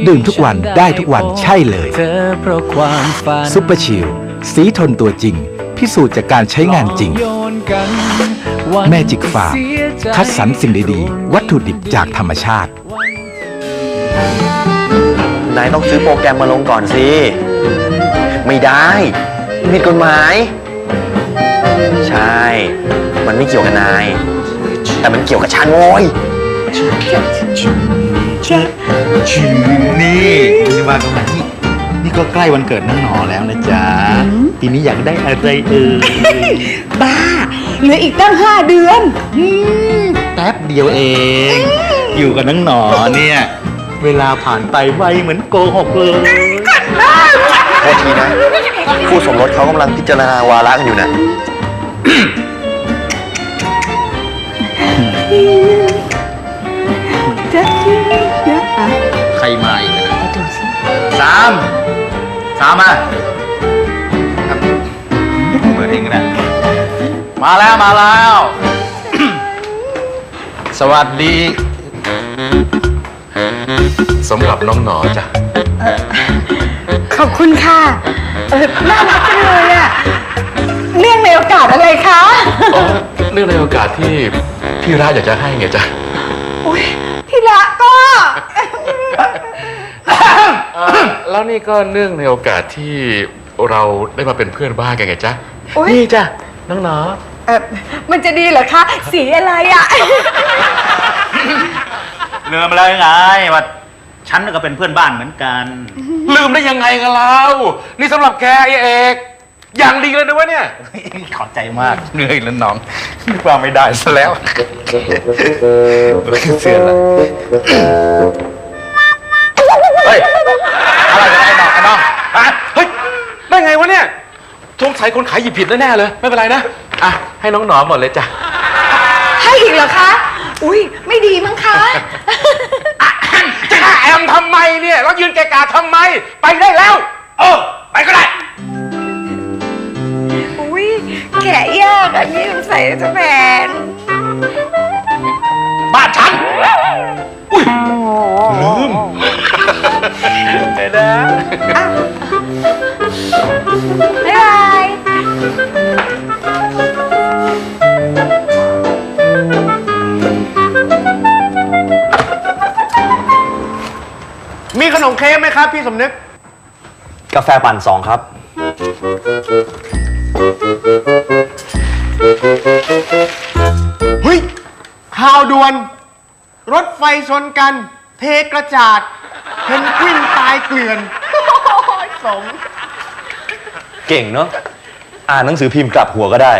ดื่มทุกวันได้ทุกวันใช่เลยซุปเปอร์ชิลสีทนตัวจริงพิสูจน์จากการใช้งานจริงแมจิกฟาร์มคัดสรรสิ่งดีๆวัตถุดิบจากธรรมชาตินายต้องซื้อโปรแกรมมาลงก่อนสิไม่ได้ผิดกฎหมายใช่มันไม่เกี่ยวกับนายแต่มันเกี่ยวกับฉันโว้ยนี่มาตรงไหนนี่ก็ใกล้วันเกิดน้องหนอแล้วนะจ๊ะปีนี้อยากได้อะไรบ้าเหลืออีกตั้ง5 เดือนแป๊บเดียวเองอยู่กับน้องหนอเนี่ยเวลาผ่านไปไวเหมือนโกหกเลยโทษทีนะคู่สมรสเขากำลังพิจารณาวาระกันอยู่นะใครมาอีกนะสามมาเปิดเองนะมาแล้วสวัสดีสำหรับน้องหนอจ้ะขอบคุณค่ะน่ารักจังเลยอะเรื่องในโอกาสอะไรคะเรื่องในโอกาสที่พี่รักอยากจะให้ไงจ๊ะอุ๊ยพี่ละก็แล้วนี่ก็เนื่องในโอกาสที่เราได้มาเป็นเพื่อนบ้านกันไงจ๊ะนี่จ้ะน้องหนอมันจะดีเหรอคะสีอะไรอะลืมอะไรไงว่าฉันก็เป็นเพื่อนบ้านเหมือนกันลืมได้ยังไงกันเรานี่สำหรับแกไอ้เอกอย่างดีเลยนะวะเนี่ยขอบใจมากเหนื่อยแล้วน้องนึกว่าไม่ได้ซะแล้วเสียละเฮ้ยอะไรกันไอ้น้องเฮ้ยได้ไงวะเนี่ยสงสัยคนขายหยิบผิดแน่ๆเลยไม่เป็นไรนะอ่ะให้น้องหนอหมดเลยจ้ะให้อีกเหรอคะอุ้ยไม่ดีมั้งคะจะแอมทำไมเนี่ยแล้วยืนแกะกาทำไมไปได้แล้วไปก็ได้อุ้ยแกะยากอันนี้สงสัยจะแพงบ้านฉันอุ้ยลืมไปนะบ๊ายบายมีขนมเค้กไหมครับพี่สมนึกกาแฟปั่น2ครับเฮ้ยข่าวด่วนรถไฟชนกันเทกระจาดเพนกวินตายเกลื่อนสมเก่งเนาะอ่านหนังสือพิมพ์กลับหัวก็ได้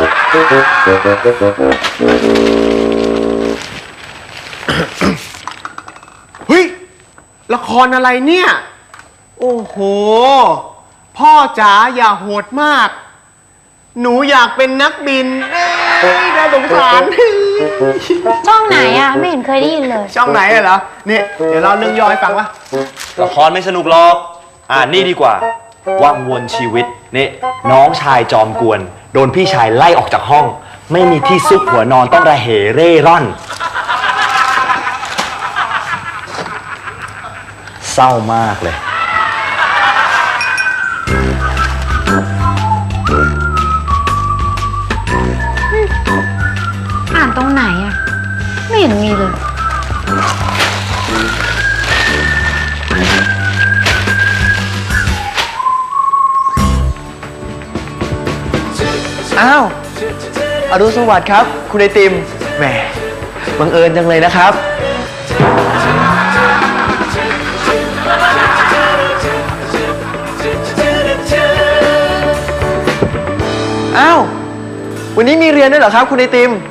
เฮ้ยละครอะไรเนี่ยโอ้โหพ่อจ๋าอย่าโหดมากหนูอยากเป็นนักบินน่าสงสารช่องไหนอ่ะไม่เห็นเคยได้ยินเลยช่องไหนเหรอเนี่ยเดี๋ยวเราเรื่องย่อให้ฟังวะละครไม่สนุกหรอกนี่ดีกว่าวังวนชีวิตนี่น้องชายจอมกวนโดนพี่ชายไล่ออกจากห้องไม่มีที่ซุกหัวนอนต้องระเหเร่ร่อนเศร้ามากเลยอ่านตรงไหนอ่ะไม่เห็นมีเลยอ้าวอรุณสวัสดิ์ครับคุณไอติมแหมบังเอิญจังเลยนะครับอ้าววันนี้มีเรียนด้วยเหรอครับคุณไอติม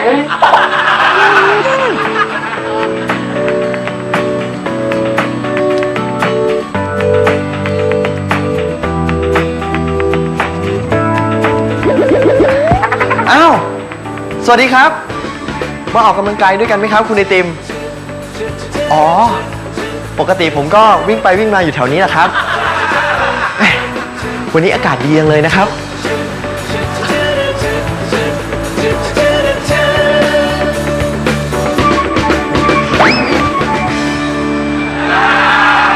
อ้าวสวัสดีครับมาออกกำลังกายด้วยกันไหมครับคุณไอติมอ๋อปกติผมก็วิ่งไปวิ่งมาอยู่แถวนี้แหละครับวันนี้อากาศดีจังเลยนะครับ อ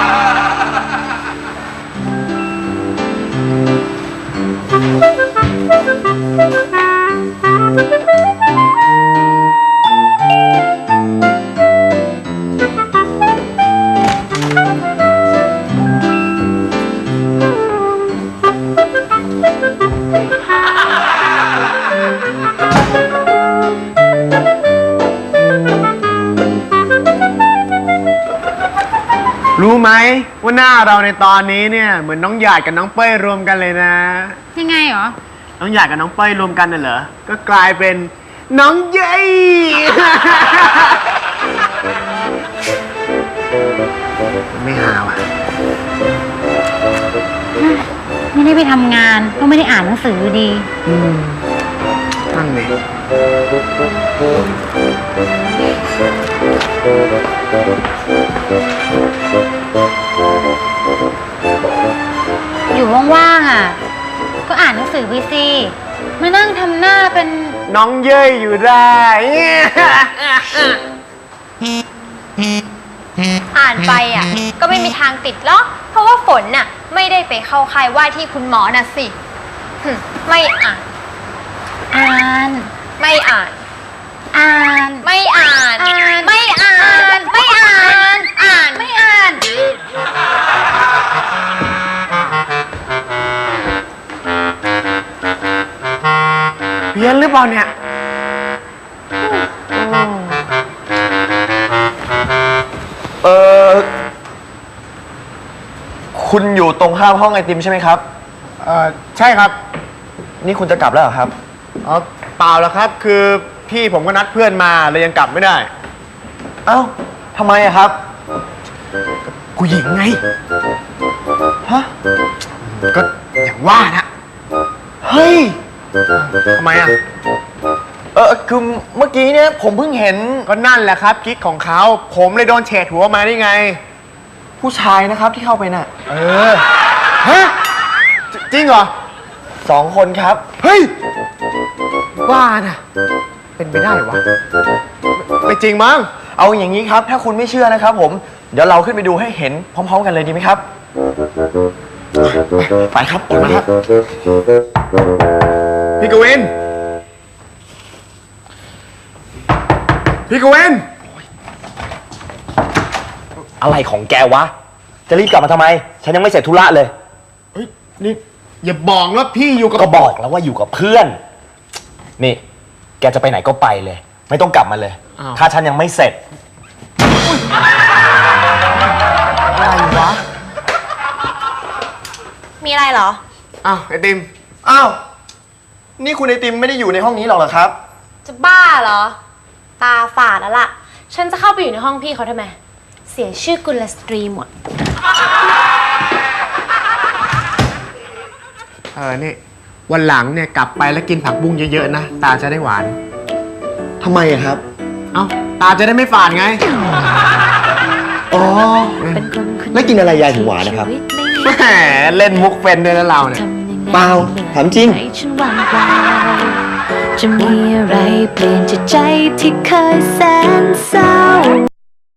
รู้ไหมว่าหน้าเราในตอนนี้เนี่ยเหมือนน้องหยาดกับน้องเป้ยรวมกันเลยนะยังไงเหรอน้องหยาดกับน้องเป้ยรวมกันน่ะเหรอ ก็กลายเป็นน้องเย้ย ไม่หาว่ะไม่ได้ไปทำงานก็ไม่ได้อ่านหนังสือดีนั่งเลยอยู่ว่างๆอ่ะ ก็อ่านหนังสือไปสิมานั่งทำหน้าเป็นน้องเย้ยอยู่ได้อ่านไปอ่ะ ก็ไม่มีทางติดหรอกเพราะว่าฝนน่ะไม่ได้ไปเข้าค่ายว่าที่คุณหมอน่ะสิไม่อ่านอ่านไม่อ่านอ่านไม่อ่าน ไม่อ่าน ไม่อ่าน อ่านไม่อ่านเพี้ยนหรือเปล่าเนี่ยคุณอยู่ตรงข้ามห้องไอติมใช่ไหมครับใช่ครับนี่คุณจะกลับแล้วเหรอครับอ๋อเปล่าแล้วครับ คือพี่ผมก็นัดเพื่อนมาเลยยังกลับไม่ได้เอ้าทำไมอะครับผู้หญิงไงฮะก็อย่างว่านะเฮ้ยทำไมอ่ะคือเมื่อกี้เนี่ยผมเพิ่งเห็นก็นั่นแหละครับกิ๊กของเขา ผมเลยโดนเฉดหัวมาได้ไงผู้ชายนะครับที่เข้าไปน่ะฮะ จริงเหรอ 2 คนครับเฮ้ย ว่าน่ะ เป็นไปได้วะ ไม่จริงมั้งเอาอย่างนี้ครับ ถ้าคุณไม่เชื่อนะครับผม เดี๋ยวเราขึ้นไปดูให้เห็นพร้อมๆกันเลยดีไหมครับ ไปครับออกมาครับพี่กวิน พี่กวินอะไรของแกวะ จะรีบกลับมาทำไม ฉันยังไม่เสร็จธุระเลยเฮ้ย นี่ อย่าบอกว่าพี่อยู่กับก็บอกแล้วว่าอยู่กับเพื่อน นี่ แกจะไปไหนก็ไปเลย ไม่ต้องกลับมาเลย ถ้าฉันยังไม่เสร็จอะไรวะมีอะไรเหรออ้าวไอติมอ้าว นี่คุณไอติมไม่ได้อยู่ในห้องนี้หรอกเหรอครับจะบ้าเหรอ ตาฝาดแล้วล่ะ ฉันจะเข้าไปอยู่ในห้องพี่เขาทำไม เสียชื่อกุลสตรีหมดนี่ วันหลังเนี่ยกลับไปแล้วกินผักบุ้งเยอะๆนะ ตาจะได้หวานทำไมอะครับเอ้า ตาจะได้ไม่ฝาดไงอ๋อ แล้วกินอะไรยายถึงหวานนะครับแหมเล่นมุกเป็นด้วยนะเราเนี่ยเปล่า ถามจริงจะมีอะไรเปลี่ยนจากใจที่เคยแสนเศร้า